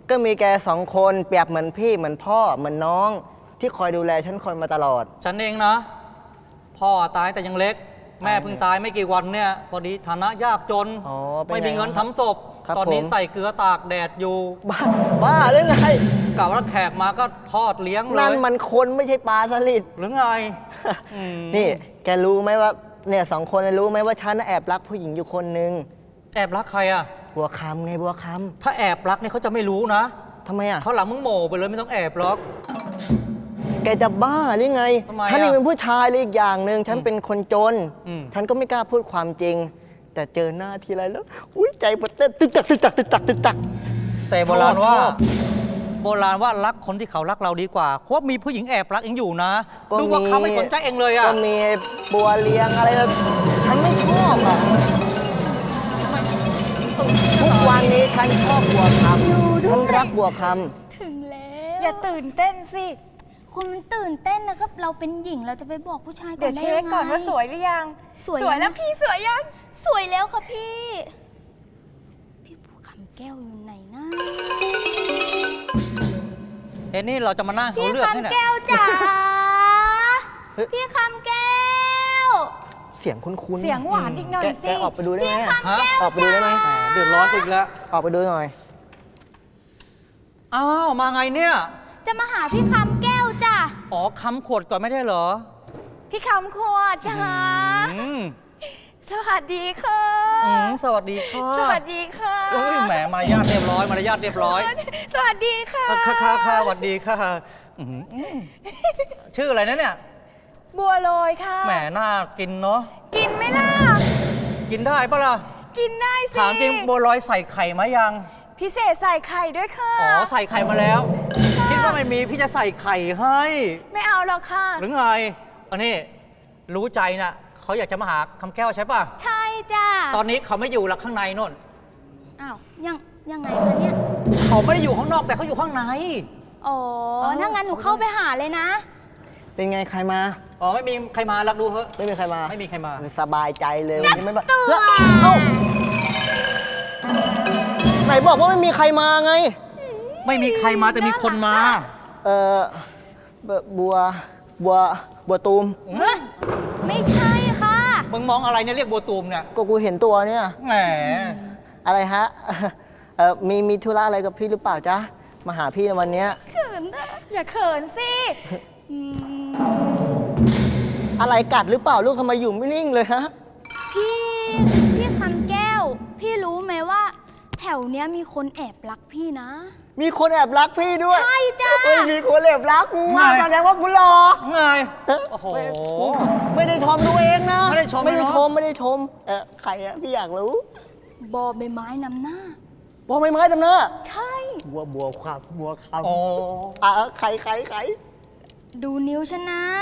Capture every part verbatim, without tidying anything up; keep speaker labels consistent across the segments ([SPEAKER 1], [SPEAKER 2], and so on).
[SPEAKER 1] ก็มีแกสองคนเปรียบเหมือนพี่เหมือนพ่อเหมือนน้องที่คอยดูแลฉันคอยมาตลอด
[SPEAKER 2] ฉันเองนะพ่อตายแต่ยังเล็กแม่เพิ่งตายไม่กี่วันเนี่ยพอดีฐานะยากจนไม่มีเงินทำศพตอนนี้ใส่เกลือตากแดดอยู่
[SPEAKER 1] บ้าบ้าเรื่องไง
[SPEAKER 2] เก่าแล้วแขกมาก็ทอดเลี้ยงเลย
[SPEAKER 1] นั่นมันคนไม่ใช่ปลาสลิด
[SPEAKER 2] หรือไง
[SPEAKER 1] นี่แกรู้ไหมว่าเนี่ยสองคนรู้ไหมว่าฉันแอบรักผู้หญิงอยู่คนนึง
[SPEAKER 2] แอบรักใครอ่ะ
[SPEAKER 1] บัวคำไงบัวค
[SPEAKER 2] ำถ้าแอบรักเนี่ยเขาจะไม่รู้นะ
[SPEAKER 1] ทำไมอ่ะ
[SPEAKER 2] เขาหลังมึงโหม่ไปเลยไม่ต้องแอบหรอก
[SPEAKER 1] แกจะบ้าหรือไงฉันเองเป็นผู้ชายเลยอีกอย่างหนึ่งฉันเป็นคนจนฉันก็ไม่กล้าพูดความจริงแต่เจอหน้าทีไรแล้วอุ้ยใจมันเต้นตึกจักตึกจักตึกจักตึกจัก
[SPEAKER 2] แต่โบราณว่าโบราณว่ารักคนที่เขารักเราดีกว่าเพราะมีผู้หญิงแอบรักเองอยู่นะดูว่าเขาไม่สนใจเองเลยอ่ะ
[SPEAKER 1] ก็มีบัวเลี้ยงอะไรฉันไม่ชอบอ่ะทุกวันนี้ฉันชอบบัวคำฉันรักบัวค
[SPEAKER 3] ำถึงแล้ว
[SPEAKER 4] อย่าตื่นเต้นสิ
[SPEAKER 3] คุณมันตื่นเต้นนะครับเราเป็นหญิงเราจะไปบอกผู้ชายก่อน
[SPEAKER 4] ได้ยังไงเดี๋ยวเช็คก่อนว่าสวยหรือยัง
[SPEAKER 3] สวย
[SPEAKER 4] แล้วพี่สวยยัง
[SPEAKER 3] สวยแล้วค่ะพี่พี่บัวคำแก้วอยู่ไหนนะ
[SPEAKER 2] เอ็นนี่เราจะมานั่งเขาเลือกนี่แหละ
[SPEAKER 3] พี่คำแก้วจ๋าพี่คำแก้ว
[SPEAKER 1] เสียงคุ้นๆ
[SPEAKER 4] เสียงหวานอีกหน่อยสิ
[SPEAKER 1] แกออกไปดูได้ไหม
[SPEAKER 3] อ
[SPEAKER 1] อกไปดูได้ไหม
[SPEAKER 2] เดือดร้อนอีกแล้ว
[SPEAKER 1] ออกไปดูหน่อย
[SPEAKER 2] อ้าวมาไงเนี่ย
[SPEAKER 3] จะมาหาพี่คำแก้วจ้ะ
[SPEAKER 2] อ๋อคำขวดก่อนไม่ได้เหรอ
[SPEAKER 4] พี่คำขวดจ้าสวัสดีค่ะ
[SPEAKER 2] สวัสดีค่ะ
[SPEAKER 4] สวัสดีค่ะ
[SPEAKER 2] โอ้ยแหมมารยาทเรียบร้อยมารยาทเรียบร้อย
[SPEAKER 4] สวัสดีค่ะ
[SPEAKER 2] ค่ะค่ะค่ะสวัสดีค่ะชื่ออะไรนะเนี่ย
[SPEAKER 4] บัวลอยค่ะ
[SPEAKER 2] แหมน่ากินเนาะ
[SPEAKER 4] กินไหมล่ะ
[SPEAKER 2] กินได้ปะล่ะ
[SPEAKER 4] กินได้สิ
[SPEAKER 2] ถามจริงบัวลอยใส่ไข่ไหมยัง
[SPEAKER 4] พิเศษใส่ไข่ด้วยค่ะ
[SPEAKER 2] อ๋อใส่ไข่มาแล้วคิดว่าไม่มีพี่จะใส่ไข่ให้
[SPEAKER 4] ไม่เอาหรอกค่ะ
[SPEAKER 2] หรือไงอันนี้รู้ใจนะเขาอยากจะมาหาคำแก้วใช่ป่ะ
[SPEAKER 3] ใช่จ้ะ
[SPEAKER 2] ตอนนี้เขาไม่อยู่หลักข้างในนู่น
[SPEAKER 3] อ้าวยังยังไงคะเนี่ย
[SPEAKER 2] เขาไม่ได้อยู่ข้างนอกแต่เขาอยู่ข้างใน
[SPEAKER 3] อ๋อถ้างั้นหนูเข้าไปหาเลยนะ
[SPEAKER 1] เป็นไงใครมา
[SPEAKER 2] อ๋อไม่มีใครมารักดูเถอะ
[SPEAKER 1] ไม่มีใครมา
[SPEAKER 2] ไม่มีใครมา
[SPEAKER 1] สบายใจเลย
[SPEAKER 3] วันนี้ไม่มา
[SPEAKER 1] เอ้าไหนบอกว่าไม่มีใครมาไง
[SPEAKER 2] ไม่มีใครมาแต่มีคนมา
[SPEAKER 1] เออบัวบัวบัวตูม
[SPEAKER 3] ไม่ใช่ค่ะ
[SPEAKER 2] มึงมองอะไรเนี่ยเรียกบัวตูมเนี่ย
[SPEAKER 1] ก็กูเห็นตัวเนี่ย
[SPEAKER 2] แหม
[SPEAKER 1] อะไรฮะเออมีมีธุระอะไรกับพี่หรือเปล่าจ๊ะมาหาพี่ในวันนี้
[SPEAKER 3] เขินนะ
[SPEAKER 4] อย่าเขินสิ
[SPEAKER 1] อะไรกัดหรือเปล่าลูกทำไมอยู่ไม่นิ่งเลยฮะ
[SPEAKER 3] พี่พี่คำแก้วพี่รู้ไหมว่าแถวเนี้ยมีคนแอบรักพี่นะ
[SPEAKER 1] มีคนแอบรักพี่ด้วย
[SPEAKER 3] ใช่จ้า
[SPEAKER 1] ไม่มีคนแอบรักกูอ่ะแสดงว่ากูหลอก
[SPEAKER 2] ไงโอ้โห
[SPEAKER 1] ไม่ได้ชมตัวเองนะ
[SPEAKER 2] ไม่ได้ชม
[SPEAKER 1] ไม่ได้ชมไม่ได้ชมเออใครอะพี่อยากรู้
[SPEAKER 3] บอใบไม้นำหน้า
[SPEAKER 1] บอใบไม้นำหน้า
[SPEAKER 3] ใช่
[SPEAKER 1] บัวบัวครับบัวครับ
[SPEAKER 2] โอ้
[SPEAKER 1] อ่ะใครใครใคร
[SPEAKER 3] ดูนิ้วฉันนะ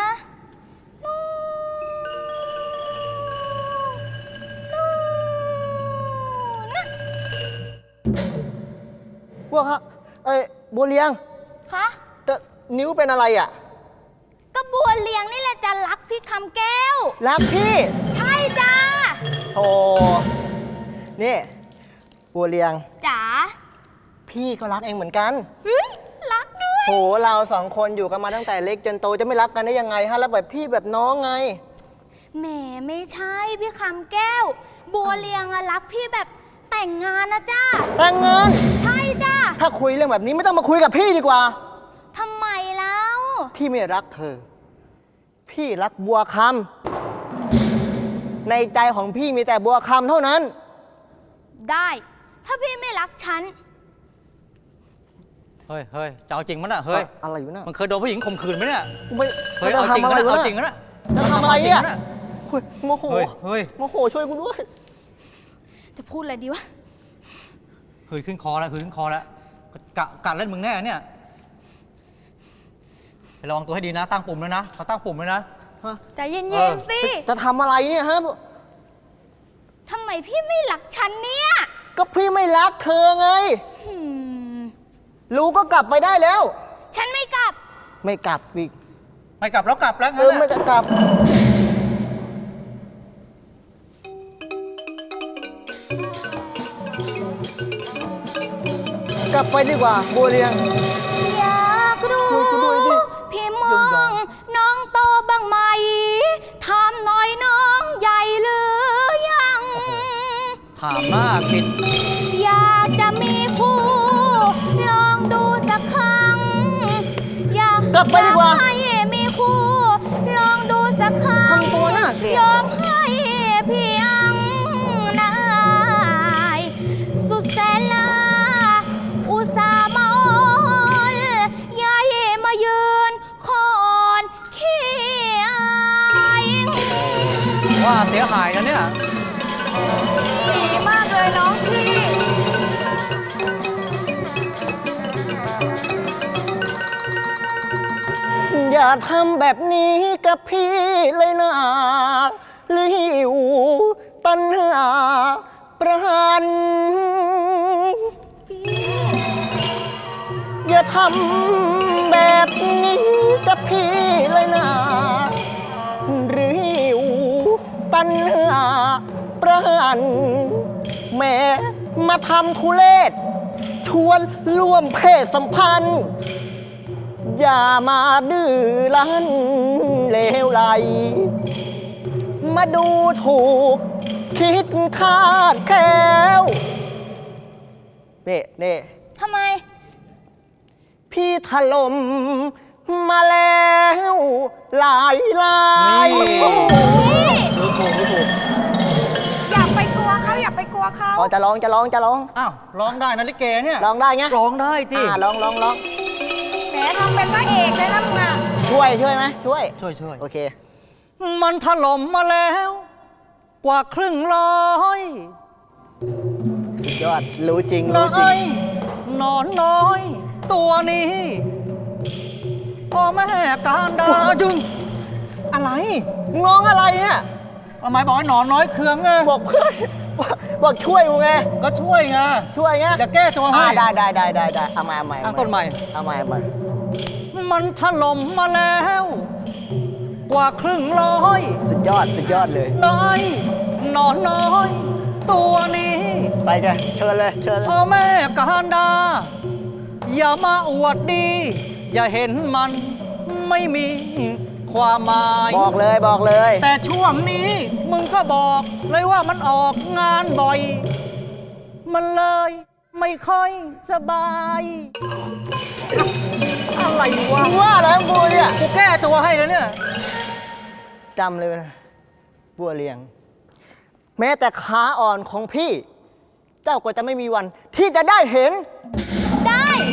[SPEAKER 1] บัวครับเอ้ยบัวเลี้ยง
[SPEAKER 3] คะ
[SPEAKER 1] แต่นิ้วเป็นอะไรอ่ะ
[SPEAKER 3] ก็บัวเลี้ยงนี่แหละจะรักพี่คำแก้ว
[SPEAKER 1] รักพี่
[SPEAKER 3] ใช่จ้า
[SPEAKER 1] โอ้นี่บัวเลี้ยง
[SPEAKER 3] จ๋า
[SPEAKER 1] พี่ก็รักเองเหมือนกัน
[SPEAKER 3] รักด้วย
[SPEAKER 1] โหเราสองคนอยู่กันมาตั้งแต่เล็กจนโตจะไม่รักกันได้ยังไงฮะแล้วแบบพี่แบบน้องไง
[SPEAKER 3] แหมไม่ใช่พี่คำแก้วบัวเลี้ยงอะรักพี่แบบแต่งงานนะจ้า
[SPEAKER 1] แต่งงาน
[SPEAKER 3] ใช่จ้า
[SPEAKER 1] ถ้าคุยเรื่องแบบนี้ไม่ต้องมาคุยกับพี่ดีกว่า
[SPEAKER 3] ทำไมแล้ว
[SPEAKER 1] พี่ไม่รักเธอพี่รักบัวคำในใจของพี่มีแต่บัวคำเท่านั้น
[SPEAKER 3] ได้ถ้าพี่ไม่รักฉัน
[SPEAKER 2] เฮ้ยเฮ้ยจะเอาจริงมั้ยน่ะเฮ้ย
[SPEAKER 1] อะไรอยู่น่ะ
[SPEAKER 2] มันเคยโดนผู้หญิงข่มขืนไหมเนี่ย
[SPEAKER 1] ไม่
[SPEAKER 2] เฮ้ยเอาจริงนะเอาจริงนะ
[SPEAKER 1] จะทำอะไรเนี่ยโมโห
[SPEAKER 2] เฮ้ย
[SPEAKER 1] โมโหช่วยกูด้วย
[SPEAKER 3] จะพูดอะไรดีวะ
[SPEAKER 2] เฮ้ยขึ้นคอแล้วเฮ้ยขึ้นคอแล้วกะกะเล่นมึงแน่เนี่ยระวังตัวให้ดีนะตั้งปุ่มเลยนะเขาตั้งปุ่มเลยนะ
[SPEAKER 4] ใจเย็นๆสิ
[SPEAKER 1] จะทำอะไรเนี่ยฮะ
[SPEAKER 3] ทำไมพี่ไม่รักฉันเนี่ย
[SPEAKER 1] ก็พี่ไม่รักเธอไงรู้ก็กลับไปได้แล้ว
[SPEAKER 3] ฉันไม่กลับ
[SPEAKER 1] ไม่กลับอีก
[SPEAKER 2] ไม่กลับแล้วกลับแล้ว
[SPEAKER 1] เออไม่กลับกลับไปดีกว่าบัวเรียง
[SPEAKER 3] อยากรู้
[SPEAKER 1] ช่วยกูด้วยดิ
[SPEAKER 3] พี่มองน้องโตบ้างไหมถามหน่อยน้องใหญ่หรือยัง
[SPEAKER 2] ถามหน้าผิด
[SPEAKER 3] อยากจะมีคู่ ลองดูสักครั้ง อยาก
[SPEAKER 1] กลับไปดีกว่า
[SPEAKER 3] ให้มีคู่ ลองดูสักครั้ง
[SPEAKER 1] ทำตัวน่าเกลียด
[SPEAKER 3] ยอมให้พี่อังนายสุดแสนลา อุตส่าห์มาอ้อนยายมายืนคอนขี้อาย
[SPEAKER 2] ว่าเสียหายกันเนี่ย
[SPEAKER 4] ดีมากเลยน้องพี่
[SPEAKER 1] อย่าทำแบบนี้กับพี่เลยนะลิวตันหาประหัน
[SPEAKER 3] พี่
[SPEAKER 1] อย่าทำแบบนี้กับพี่เลยนะริวตันหาประหันแม้มาทำทุเลศชวนร่วมเพศสัมพันธ์ อย่ามาดื้อรั้นเลวไหล มาดูถูกคิดคาดแคล้วเน่เน่
[SPEAKER 3] ทำไม
[SPEAKER 1] พี่ถล่มมาแล้วหลายลาย
[SPEAKER 2] นี่
[SPEAKER 3] พี่
[SPEAKER 2] รู้ถูกรู้ถูก
[SPEAKER 4] อย่าไปกลัวเขาอย่าไปกลัวเขา
[SPEAKER 1] อ๋อจะร้องจะร้องจะร้อง
[SPEAKER 2] อ้าวร้องได้นะลิเกเนี่ย
[SPEAKER 1] ร้องได้ไง
[SPEAKER 2] ร้องได้ที่
[SPEAKER 1] อ่าร้องร้องร้อง
[SPEAKER 4] แหมทำเป็นพระเอกเลยนะมึงอ่ะ
[SPEAKER 1] ช่วยช่วยไหมช่วย
[SPEAKER 2] ช่วยช่วย
[SPEAKER 1] โอเค
[SPEAKER 2] มันถล่มมาแล้ว กว่าครึ่งร้อย
[SPEAKER 1] สุดยอด รู้จริง
[SPEAKER 2] น้
[SPEAKER 1] รู้จริ
[SPEAKER 2] อง ยนอนน้อย ตัวนี้พ่อแม่การดาจุงอะไร
[SPEAKER 1] ร้องอะไรเนี่ย
[SPEAKER 2] ทำไมบอกให้หนอนน้อยเคืองไง
[SPEAKER 1] บอกเพื่อนบอกบอกช่วยกูไง
[SPEAKER 2] ก็ช่วยไง
[SPEAKER 1] ช่วยไง
[SPEAKER 2] จะแก้ตัวให้
[SPEAKER 1] อ่าได้ได้ได้ได้ได้เอาใหม่เอาใหม่
[SPEAKER 2] ตั้งต้นใหม่
[SPEAKER 1] เอาใหม่เอาใหม่
[SPEAKER 2] มันถล่มมาแล้ว กว่าครึ่งร้อย
[SPEAKER 1] สุดยอดสุดยอดเลย
[SPEAKER 2] น้อยหนอนน้อย ตัวนี้
[SPEAKER 1] ไปกันเชิญเลยเชิญเลย
[SPEAKER 2] พ่อแม่การดา อย่ามาอวดดี อย่าเห็นมันไม่มีความหมาย
[SPEAKER 1] บอกเลยบอกเลย
[SPEAKER 2] แต่ช่วงนี้มึงก็บอกเลยว่ามันออกงานบ่อย มันเลยไม่ค่อยสบาย อะไรวะ
[SPEAKER 1] ว่าแล้วกูเนี่ย
[SPEAKER 2] กูแก้ตัวให้แล้วเนี่ย
[SPEAKER 1] จำเลยนะบัวเลียง แม้แต่ขาอ่อนของพี่ เจ้าก็จะไม่มีวัน ที่จะได้เห็น
[SPEAKER 3] ได้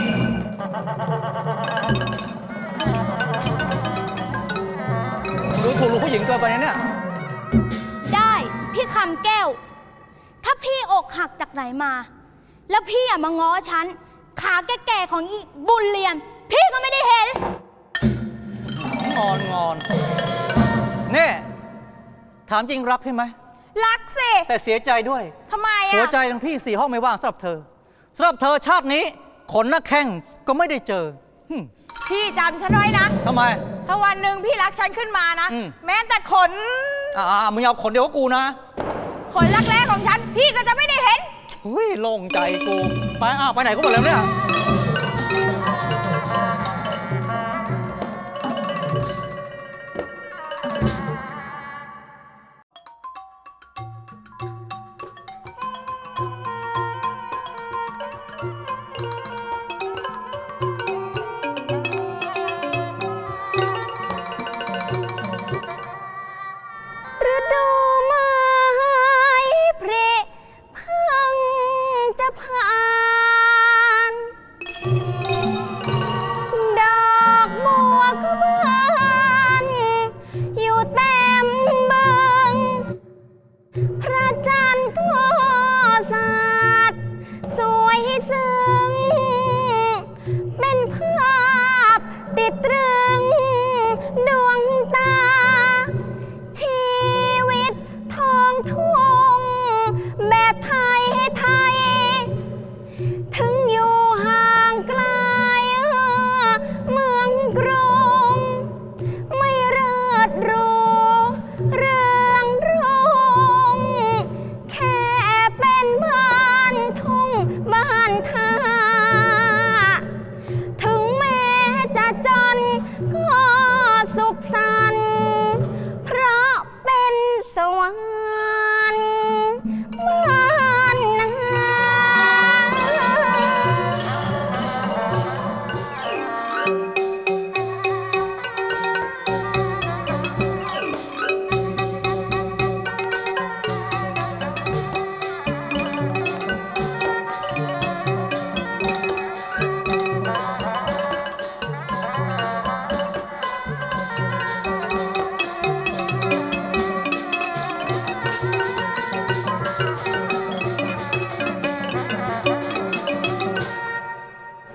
[SPEAKER 2] รู้ถูกรู้ผู้หญิงเกินไปนะเนี่ย
[SPEAKER 3] ได้พี่คำแก้ว ถ้าพี่อกหักจากไหนมา แล้วพี่อะมาง้อฉัน ขาแก่ๆของอีบุญเรียน พี่ก็ไม่ได้เห็น
[SPEAKER 2] งอนงอนเนี่ยถามจริงรักพี่ไหม
[SPEAKER 4] รักสิ
[SPEAKER 2] แต่เสียใจด้วย
[SPEAKER 4] ทำไม
[SPEAKER 2] หัว
[SPEAKER 4] อ่ะ
[SPEAKER 2] ใจทั้งพี่สี่ห้องไม่ว่างสำหรับเธอสำหรับเธอชาตินี้ ขนหน้าแข้งก็ไม่ได้เจอหึ่ม
[SPEAKER 4] พี่จำฉันไว้นะ
[SPEAKER 2] ทำไม
[SPEAKER 4] ถ้าวันหนึ่งพี่รักฉันขึ้นมานะ
[SPEAKER 2] อืม
[SPEAKER 4] แม้แต่ขน
[SPEAKER 2] อ่ามึงเอาขนเดียวกับกูนะ
[SPEAKER 4] ขนรักแร้ของฉัน พี่ก็จะไม่ได้เห็น
[SPEAKER 2] อุ้ยโล่งใจกู ไปอ้าวไปไหนก็หมดแล้วเนี่ย
[SPEAKER 3] ฤดูไม้ผลิเพิ่งจะผ่าน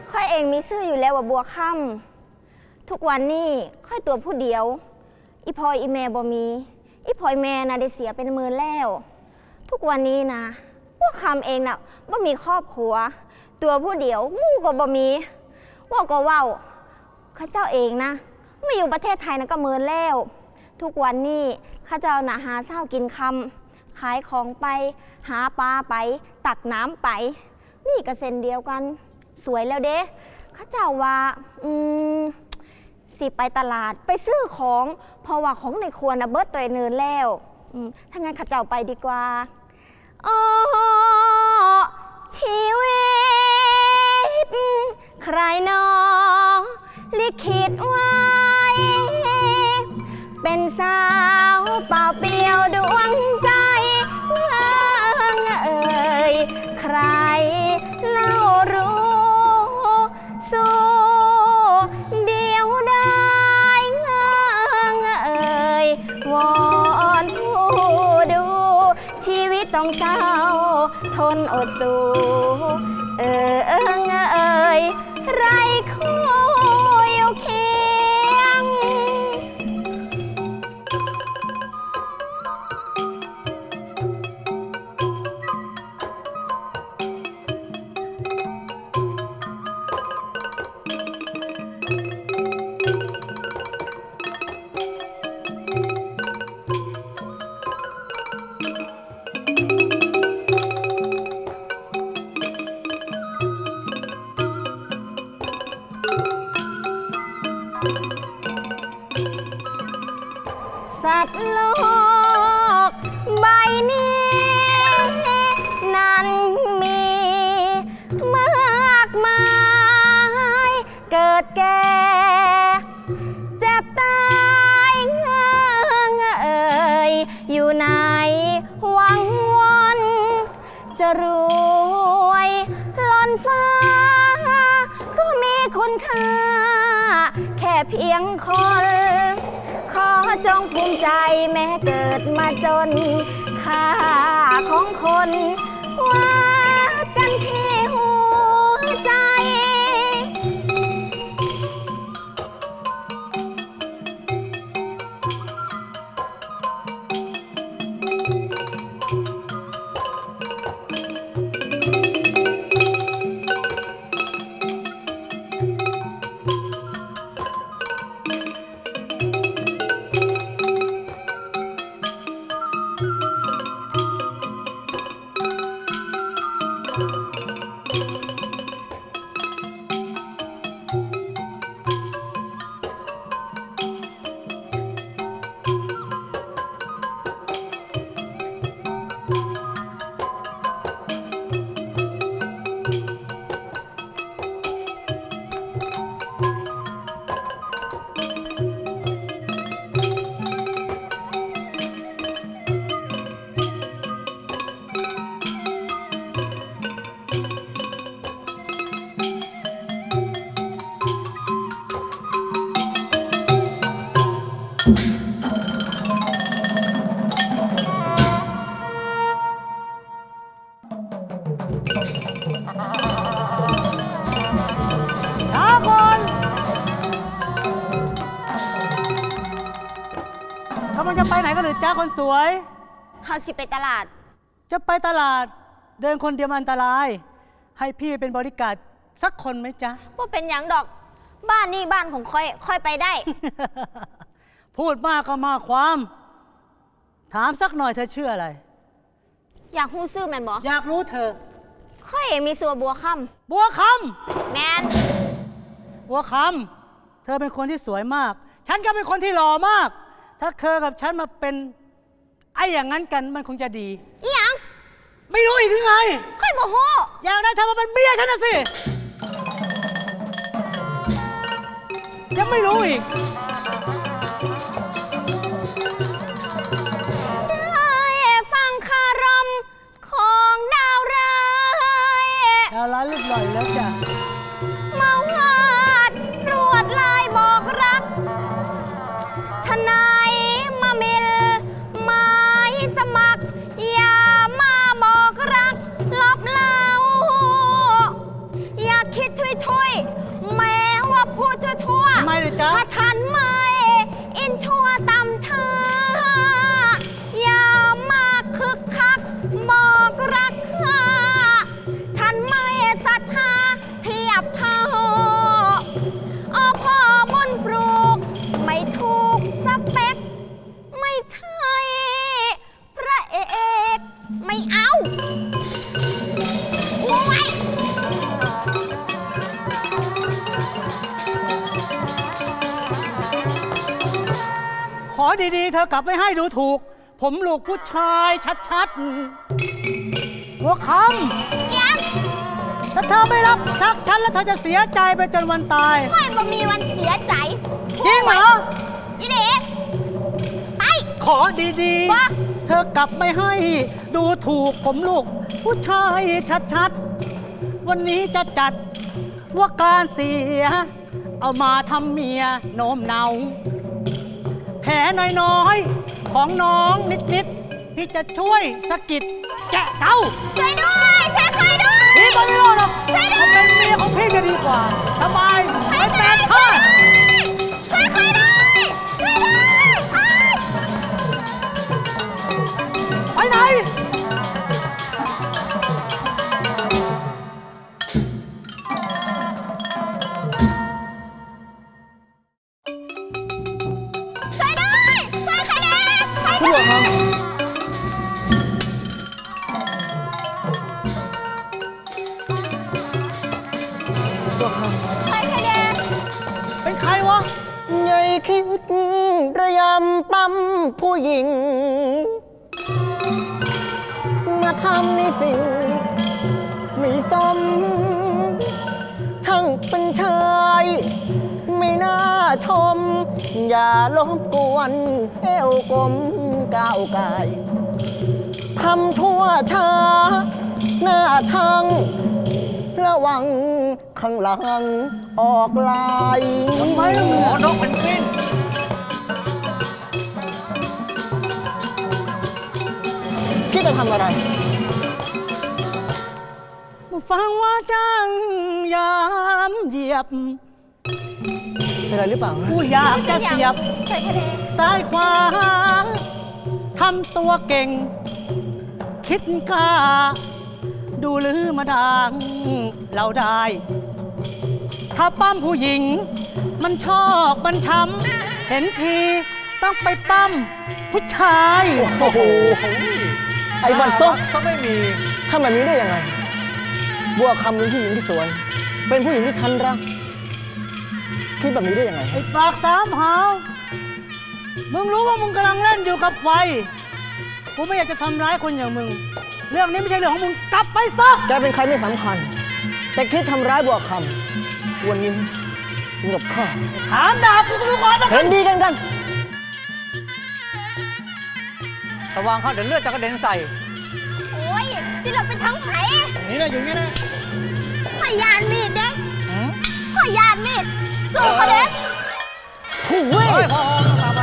[SPEAKER 3] ค่อยเองมีชื่ออยู่แล้วว่าบัวค่ำทุกวันนี้ค่อยตัวผู้เดียวอีพอยอีแม่บ่มีอีพอยแม่นะได้เสียเป็นหมื่นแล้ว ทุกวันนี้นะบัวค่ำเองน่ะบ่มีครอบครัวตัวผู้เดียวมู่ก็บ่มีเว่าก็เว้าข้าเจ้าเองนะไม่อยู่ประเทศไทยนะก็หมื่นแล้วทุกวันนี้ข้าเจ้าน่ะหาเช้ากินค่ำขายของไปหาปลาไปตักน้ำไปนี่ก็เส้นเดียวกันสวยแล้วเด้ข้าเจ้าว่าอืมสิไปตลาดไปซื้อของเพราะว่าของในครัวนะเบิดตัวเนินแล้วถ้างั้นข้าเจ้าไปดีกว่าอ๋อชีวิตใครหนอลิขิตไว้เป็นสาวเปล่าเปลี่ยวดวงใจเอ่ยใครเล่ารู้สู้เดียวได้เอ่ยวอนผู้ดูชีวิตต้องเศร้าทนอดสู้เออเอ่ยไรคู่อยู่เคียงสัตว์โลกใบนี้นั้นมีมากมายเกิดแก่เจ็บตายเอ่ยอยู่ในหวังวนจะรวยล้นฟ้าก็มีคุณค่าแค่เพียงคนขอจงภูมิใจแม้เกิดมาจนค่าของคนว่ากันที่หัวใจ
[SPEAKER 5] ช้าก่อนกำลังจะไปไหนกันหรือจ้าคนสวย
[SPEAKER 3] เฮาสิไปตลาด
[SPEAKER 5] จะไปตลาดเดินคนเดียวมันอันตราย ให้พี่เป็นบริการสักคนไหมจ๊ะ
[SPEAKER 3] ว่าเป็นหยังดอก บ้านนี่บ้านของค่อย ค่อยไปได้
[SPEAKER 5] พูดมากก็มากความ ถามสักหน่อยเธอชื่ออะไร
[SPEAKER 3] อยากฮู้ซื่อแมนบอ
[SPEAKER 5] อยากรู้เธอ
[SPEAKER 3] ค่อยเองมีสัวบัวค่
[SPEAKER 5] บัวค
[SPEAKER 3] ำแมน
[SPEAKER 5] ำบัวคำเธอเป็นคนที่สวยมาก ฉันก็เป็นคนที่หล่อมาก ถ้าเธอกับฉันมาเป็นไอ้อย่างนั้นกันมันคงจะดี
[SPEAKER 3] อีหยัง
[SPEAKER 5] ไม่รู้อีกหรือไง
[SPEAKER 3] ค่อยบ่ฮู้
[SPEAKER 5] อยากได้เธอมาเป็นเมียฉันนะสิ ยังไม่รู้อีก
[SPEAKER 3] ได้ฟังคารมของดาวร้าย
[SPEAKER 5] ดาวร้ายรูปหล่ออยู่แล้วจ้ะ
[SPEAKER 3] เมาวาดรวดลายบอกรักชะนายมามิลหมายสมัคร อย่ามาบอกรักลบเล่าอย่าคิดทุยทุยๆ
[SPEAKER 5] จ๊ะ
[SPEAKER 3] ถ้าฉันไม่อินชัวตำท่าอย่ามาคึกคักบอกรักข้าฉันไม่ศรัทธาเทียบเท่าอพ่อบุญปลูกไม่ถูกสเปคไม่ใช่พระเอกไม่เอาโอ้ย
[SPEAKER 5] ขอดีๆ เธอกลับไม่ให้ดูถูก ผมลูกผู้ชายชัดๆ หัวค
[SPEAKER 3] ยัง
[SPEAKER 5] ำถ้าเธอไม่รับทักฉันแล้วเธอจะเสียใจไปจนวันตาย
[SPEAKER 3] ค่อยบ่มีวันเสียใจ
[SPEAKER 5] จริงเหรอ
[SPEAKER 3] ยี่เด็กไป
[SPEAKER 5] ขอดี
[SPEAKER 3] ว่า
[SPEAKER 5] ๆ เธอกลับไม่ให้ดูถูกผมลูกผู้ชายชัดๆ วันนี้จะจัดว่าการเสีย เอามาทำเมียโน้มเนา แผลน้อยๆ ของน้องนิดๆ พี่จะช่วยสะกิดแกะเต้า
[SPEAKER 3] ช่วยด้วยช่วยใครด้วย
[SPEAKER 5] พี่ก็ไม่รอดหรอก
[SPEAKER 3] ช่วยด้วย
[SPEAKER 5] เขาเป็นเมียของพี่จะดีกว่า สบายไม่แปลกข้า
[SPEAKER 3] ช่วยใครด้วยช่วยด้วย
[SPEAKER 5] ไปไหน
[SPEAKER 3] ช่วยด้วยช่วยใครเด็กช่วย
[SPEAKER 1] คุณ
[SPEAKER 3] ด้วย
[SPEAKER 1] บัวคำบัวคำ
[SPEAKER 3] ช่วยใครเด็ก
[SPEAKER 5] เป็นใครวะ
[SPEAKER 1] ใหญ่คิดระยำปั๊มผู้หญิง มาทำในสิ่งไม่สม ทั้งเป็นชายไม่น่าชม อย่าลบกวนเอวกลมก้าวกายทำทั่วช้าหน้าทางระวังข้างหลังออกลาย
[SPEAKER 5] ทำไมล่ะ
[SPEAKER 2] หมอนกเป็นกวิน
[SPEAKER 1] พี่จะทำอะไร
[SPEAKER 5] มาฟังว่าจังยามเหยียบ
[SPEAKER 1] เป็นอะไรหรือเปล่า
[SPEAKER 5] กูอยากจะเสียบ
[SPEAKER 3] ช่วยใครเด็ก
[SPEAKER 5] ซ้ายขวาทำตัวเก่ง คิดกล้า ดูลือมาดังเราได้ ถ้าปั้มผู้หญิง มันชอบมันช้ำเห็นทีต้องไปปั้มผู้ชาย
[SPEAKER 1] โอ้โห ไอ้บันซบ
[SPEAKER 2] ก็ไม่มี
[SPEAKER 1] ทำแบบนี้ได้ยังไง บัวคำเป็นผู้หญิงที่สวย เป็นผู้หญิงที่ฉันรัก คิดแบบนี้ได้ยังไง
[SPEAKER 5] ไอ้ปากสามหาวมึงรู้ว่ามึงกำลังเล่นอยู่กับไฟ กูไม่อยากจะทำร้ายคนอย่างมึง เรื่องนี้ไม่ใช่เรื่องของมึง กลับไปซะ
[SPEAKER 1] แกเป็นใครไม่สำคัญ แต่คิดทำร้ายบัวคำวันนี้มึงกับข้า
[SPEAKER 5] ถามดาบกูก็รู้ก่อนนะ
[SPEAKER 1] เห็นดีกันกัน
[SPEAKER 2] ระวังเขาเดี๋ยวเลือดจะกระเด็นใส่
[SPEAKER 3] โอ้ยสิเราไปทั้งไผ
[SPEAKER 2] นี่นะอยู่นี่นะ
[SPEAKER 3] ข่อยยานมีดเด็ก
[SPEAKER 2] หืม
[SPEAKER 3] ข่อยยานมีดสู้เขาเด็ก
[SPEAKER 1] ผู้เว้ย
[SPEAKER 2] เฮ้ยพอตามไป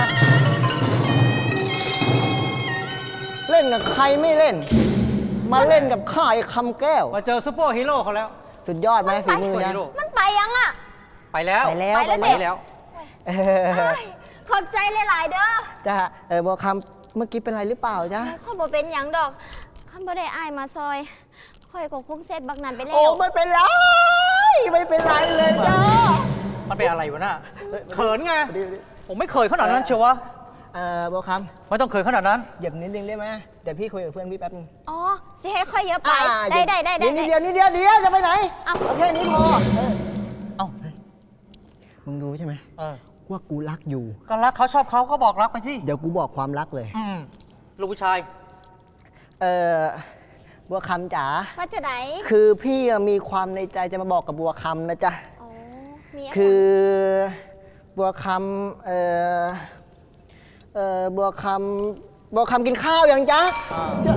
[SPEAKER 1] เล่นกับใครไม่เล่น มาเล่นกับข้าไอ้คำแก้ว
[SPEAKER 2] มาเจอซูเปอร์ฮีโร่เขาแล้ว
[SPEAKER 1] สุดยอดไหมฝีมือ
[SPEAKER 2] ซูเปอร์
[SPEAKER 1] นะ
[SPEAKER 2] ฮีโร่
[SPEAKER 3] มันไปยังอ่ะ
[SPEAKER 2] ไปแล้ว
[SPEAKER 1] ไปแล้ว
[SPEAKER 3] ไปแล้ว
[SPEAKER 2] ไปแล้ว
[SPEAKER 1] เออ
[SPEAKER 3] อ้ายขอบใจหลาย ๆ เด้อ
[SPEAKER 1] จ้าเออบัวคำเมื่อกี้เป็นไรหรือเปล่าจ๊ะ
[SPEAKER 3] ข้อยบ่เป็นหยังดอกข้อยบ่ได้อายมาซอยข้อยก็คงเสร็จบักนั้นไปแล้
[SPEAKER 1] โอ้
[SPEAKER 3] ว
[SPEAKER 1] ไม่เป็นไร ไม่เป็นไรเลยจ้า
[SPEAKER 2] มันเป็นอะไรวะน่ะเขินไง
[SPEAKER 1] ดีดี
[SPEAKER 2] ผมไม่เคยขนาดนั้นเชียววะ
[SPEAKER 1] เออบัวค
[SPEAKER 2] ไม่ต้องเคยขนาดนั้น
[SPEAKER 1] ำเหยียบนิดนึงได้ไหมเดี๋ยวพี่คุยกับเพื่อนพี่แป๊บนึง
[SPEAKER 3] อ๋อ สิให้ค่อยเยอะไป
[SPEAKER 1] อ่า
[SPEAKER 3] ได้ได้ได้ได้
[SPEAKER 1] นิดเดียวนิดเดียวเดียวจะไปไหน
[SPEAKER 3] เอา
[SPEAKER 1] เอาแค่นี้พอเออ
[SPEAKER 2] เอ้า
[SPEAKER 1] มึงรู้ใช่ไหม
[SPEAKER 2] เออ
[SPEAKER 1] ว่ากูรักอยู่
[SPEAKER 2] ก็รักเขาชอบเขาก็บอกรักไปสิ
[SPEAKER 1] เดี๋ยวกูบอกความรักเลย
[SPEAKER 2] อืมลูกผู้ชาย
[SPEAKER 1] เออบัวคำจ๋า
[SPEAKER 3] ว่าจะไหน
[SPEAKER 1] คือพี่อะมีความในใจจะมาบอกกับบัวคำนะจ๊ะ
[SPEAKER 3] อ๋อ มีอะไร
[SPEAKER 1] คือบัวคำเออเออบัวคำบัวคำกินข้าวยังจ๊ะจ๊ะ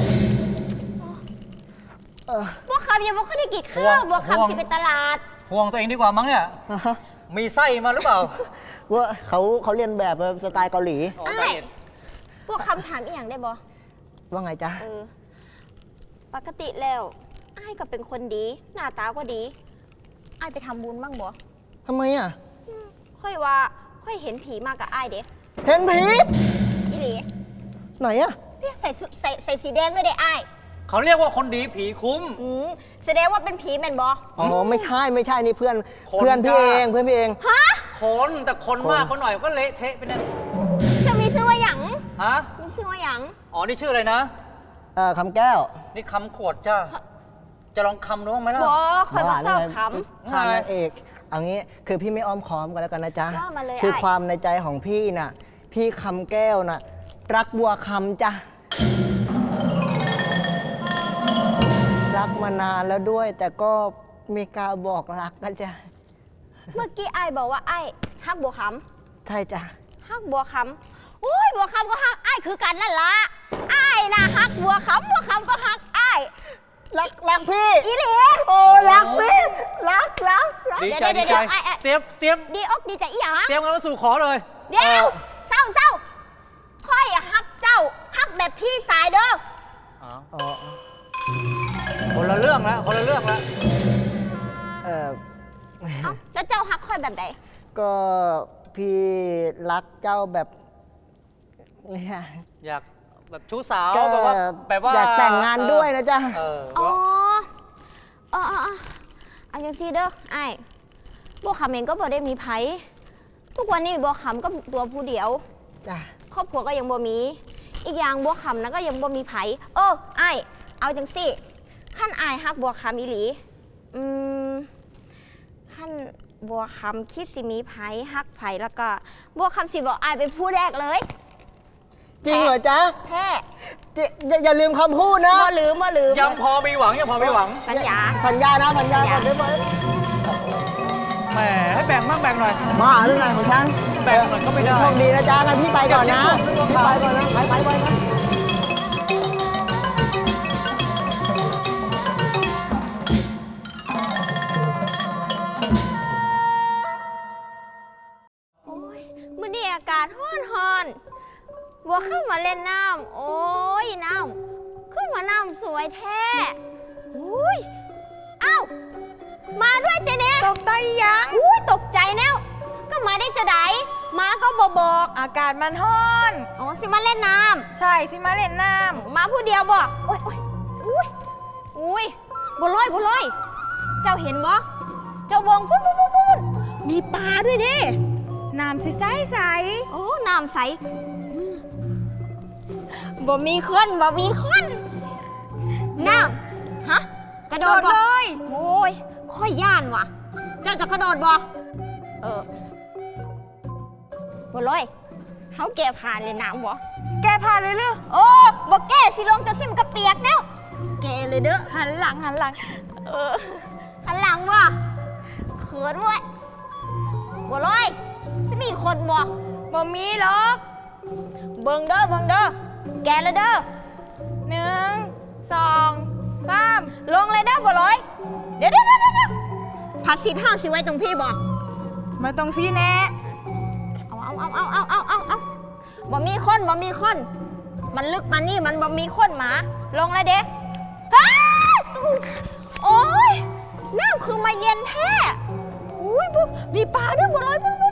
[SPEAKER 1] เออ
[SPEAKER 3] บัวคำยังบ่ค่อยได้กิน
[SPEAKER 2] ห่ว
[SPEAKER 3] ข้าง วบัว
[SPEAKER 2] ห่วง
[SPEAKER 3] คำสิไปตลาด
[SPEAKER 2] ห่วงตัวเองดีกว่ามั้งเนี่ย
[SPEAKER 1] ฮะ
[SPEAKER 2] มีไส้มาหรือเปล่า
[SPEAKER 1] ว่าเขาเขาเรียนแบบสไตล์เกาหลี
[SPEAKER 2] อ๋อ
[SPEAKER 3] อ้าย
[SPEAKER 2] ไส้เอ็ด
[SPEAKER 3] บัวคำถามอีกอย่างได้บ่
[SPEAKER 1] ว่าไงจ๊ะ
[SPEAKER 3] เออ ปกติแล้วอ้ายก็เป็นคนดี หน้าตาก็ดีอ้ายไปทำบุญบ้างบ่
[SPEAKER 1] ทำไมอ่ะ
[SPEAKER 3] ค่อยว่าค่อยเห็นผีมากับอ้ายเด้
[SPEAKER 1] เห็นผี
[SPEAKER 3] อีหลี
[SPEAKER 1] ไหนอะ
[SPEAKER 3] เนี่ยใส่สุใส่ใส่สีแดงด้วยเด้อ้าย
[SPEAKER 2] เขาเรียกว่าคนดีผีคุ้ม
[SPEAKER 3] อืมแสดงว่าเป็นผีแม่นบ่
[SPEAKER 1] อ๋อไม่ใช่ไม่ใช่นี่เพื่อน
[SPEAKER 2] คน
[SPEAKER 1] เพื่อนพี่
[SPEAKER 2] จ้า
[SPEAKER 1] เองเพื่อนพี่เอง
[SPEAKER 3] ฮะ
[SPEAKER 2] คนแต่คน
[SPEAKER 1] คน
[SPEAKER 2] มากคนหน่อยก็เละเทะไปนั่น
[SPEAKER 3] จะมีชื่อว่าหยัง
[SPEAKER 2] ฮะ
[SPEAKER 3] มีชื่อว่าหยัง
[SPEAKER 2] อ๋อ นี่ชื่ออะไรนะ
[SPEAKER 1] เอ่อคำแก้ว
[SPEAKER 2] นี่คำขวดจ้า จะลองคำดูบ้างไหมล่ะ
[SPEAKER 3] บ่คอยมาเศร้าค
[SPEAKER 1] ทางนางเอกเอางี้คือพี่ไม่อ้อมค้อมกันแล้วกันนะจ๊ะ
[SPEAKER 3] ว่ามาเลย
[SPEAKER 1] คือ
[SPEAKER 3] ไอ้
[SPEAKER 1] ความในใจของพี่น่ะ พี่คำแก้วน่ะ รักบัวคำจ้ะรักมานานแล้วด้วย แต่ก็ไม่กล้าบอกรักกันจ้ะ
[SPEAKER 3] ำเมื่อกี้อ้ายบอกว่าอ้ายฮักบัวค
[SPEAKER 1] ใช่จ้ะ
[SPEAKER 3] ำฮักบัวคำโอ้ยบัวคำก็ฮักอ้ายคือกันนั่นละอ้ายนะฮักบัวคำบัวคำก็ฮักอ้าย
[SPEAKER 1] รักรักพี่
[SPEAKER 3] อีหลี
[SPEAKER 1] โอ้รักพี่รักรักรัก
[SPEAKER 2] ดีใจ
[SPEAKER 3] เดี๋
[SPEAKER 2] ดี
[SPEAKER 3] ยว
[SPEAKER 2] ใจ
[SPEAKER 3] เดี๋ยวไอ้ไอ้
[SPEAKER 2] เตรียมเตรียม
[SPEAKER 3] ดีอกดีใจอีหยัง
[SPEAKER 2] เตรียมกันมาสู่ขอเลย
[SPEAKER 3] เดี๋ยวเศร้าเศร้าค่อยอะฮักเจ้าฮักแบบพี่สายเด้อ
[SPEAKER 2] อ๋อ
[SPEAKER 1] อ๋อ
[SPEAKER 2] คนละเรื่องแล้วคนละเรื่องแล้ว
[SPEAKER 1] เออ
[SPEAKER 3] เอ้าแล้วเจ้าฮักค่อยแบบไหน
[SPEAKER 1] ก็พี่รักเจ้าแบบเนี่ย
[SPEAKER 2] อยากแบบชู้สาว
[SPEAKER 1] ก็
[SPEAKER 2] แบบว่าแบบว่า
[SPEAKER 1] อยากแต่งงานด้วยนะจ๊ะ
[SPEAKER 2] เออ
[SPEAKER 3] อ๋อเออเออเออเอาจังซี่เด้อไอ้ายบัวคำเองก็บ่ได้มีไผทุกวันนี้บัวคำก็ตัวผู้เดียว
[SPEAKER 1] จ้ะ
[SPEAKER 3] ครอบครัวก็ยังบ่มี อีกอย่างบัวคำนะก็ยังบ่มีไผเออไอ้ายเอาจังซี่ขั้นไอ้ายฮักบัวคำอีหลีอืมขั้นบัวคำคิดสิมีไผฮักไผแล้วก็บัวคำสิบอกไอ้ายเป็นผู้แรกเลย
[SPEAKER 1] จริงเหรอจ๊ะ
[SPEAKER 3] แท้
[SPEAKER 1] จิอย่าอย่าลืมคำพูดนะ
[SPEAKER 3] บ่ลืมบ่ลืม
[SPEAKER 2] ยังพอมีหวังยังพอมีหวัง
[SPEAKER 3] สัญญา
[SPEAKER 1] สัญญานะสัญญาก่อนได้ไหม
[SPEAKER 2] แหมให้แบ่งบ้างแบ่งหน่อย
[SPEAKER 1] มาเรื่องไหนของฉัน
[SPEAKER 2] แบ่งหน่อยก็ไม่ได้
[SPEAKER 1] โชคดีนะจ๊ะงั้นพี่ไปก่อนนะ
[SPEAKER 2] เดี๋ยว
[SPEAKER 1] พี่ไปก่อนนะไปไปไปนะ
[SPEAKER 3] โอ้ยมื้อนี้อากาศร้อนร้อนบัวเข้ามาเล่นน้ำโอ้ยน้ำขึ้นมาน้ำสวยแท้อุ้ยเอ้ามาด้วยเจเน่ตกใจยังอุ้ยตกใจแนวก็มาได้จะไดมาก็บอบอก
[SPEAKER 4] อากาศมันร้อน
[SPEAKER 3] อ๋อสิมาเล่นน้
[SPEAKER 4] ใช่สิมาเล่นน้
[SPEAKER 3] ำมาผู้เดียวบอกโอ้ยโอ้ยอุ้ยอุ้ยบัวลอยบัวลอย เจ้าเห็นบ่เจ้าวงพุ่นพุ่นพุ่นพุ่นมีปลาด้วยเด้
[SPEAKER 4] ำน้ำใสใสใส
[SPEAKER 3] โอ้น้ำใสบ่มีคนบ่มีคนน้ำฮะ กระโด
[SPEAKER 4] โด
[SPEAKER 3] ด
[SPEAKER 4] ด
[SPEAKER 3] บ่
[SPEAKER 4] เลย
[SPEAKER 3] โอ้ย ค่อยย่านว่ะ เจ้าจะกระโดดบ่เออบ่เลยเขาแก่ผ่านเลยน้ำบ่
[SPEAKER 4] แกพาเลยเรือ
[SPEAKER 3] โอ้บ่แก่สิลงจะซิมกระเปียกแล้วแก่เลยเด้อ
[SPEAKER 4] หันหลังหันหลัง
[SPEAKER 3] เออหันหลังว่ะเขินเว้ยบ่เลยสิมีคนบ่
[SPEAKER 4] บ่มีหรอก
[SPEAKER 3] เบิ่งเด้อเบิ่งเด้อแก่เลยเด้อ
[SPEAKER 4] หนึ่งสองสาม
[SPEAKER 3] ลงเลยเด้อบ่เลยเดี๋ยวเดี๋ยวเดี๋ยวเดี๋ยวผัดสินห้าสิไว้ตรงพี่บ่
[SPEAKER 4] มาตรงซีแน่
[SPEAKER 3] เอาเอาเอาเอาเอาเอาเอาเอาบ่มีคนบ่มีคน มันลึกมานี่มันบ่มีคนหมา ลงเลยเด็กโอ้ยน้ำคือมาเย็นแท้อุ้ยบุมีปลาด้วยบ่เลยบุ